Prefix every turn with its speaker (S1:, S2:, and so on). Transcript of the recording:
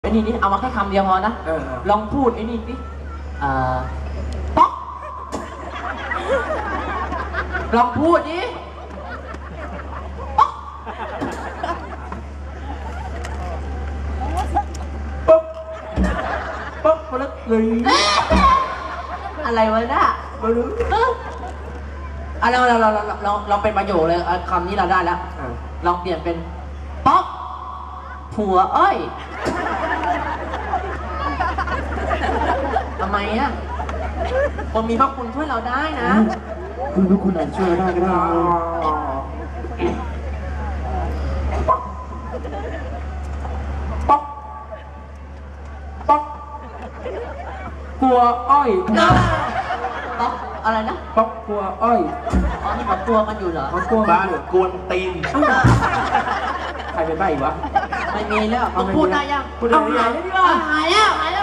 S1: ไอ้นี่เอามาแค่คำเดียวพอนะลองพูดไอ้นี่สิป๊อกลองพูดดิป๊อก
S2: ป๊อกป๊อกมาแล้วเลย
S1: อะไรวะน่ะ
S2: มาดู
S1: เราเป็นประโยคเลยคำนี้เราได้แล้วลองเปลี่ยนเป็นป๊อกผัวอ้อยทำไมอ่ะคนมีพระคุณช่วยเราได้นะ
S2: คุณพระคุณอาจช่วยได้ก็ได้ป๊อกป๊อกกลัวอ้อย
S1: ป๊อกอะไรนะ
S2: ป๊อกกลัวอ้อย
S1: อ๋อนี่เขากลัวกันอยู่เหรอ
S2: เขากลัวบ้านกวนตีนใครเป็นใบ้วะ
S1: ไม่มีแล้วพูดได้ยัง
S2: พูดได้ยัง
S1: หายแล้ว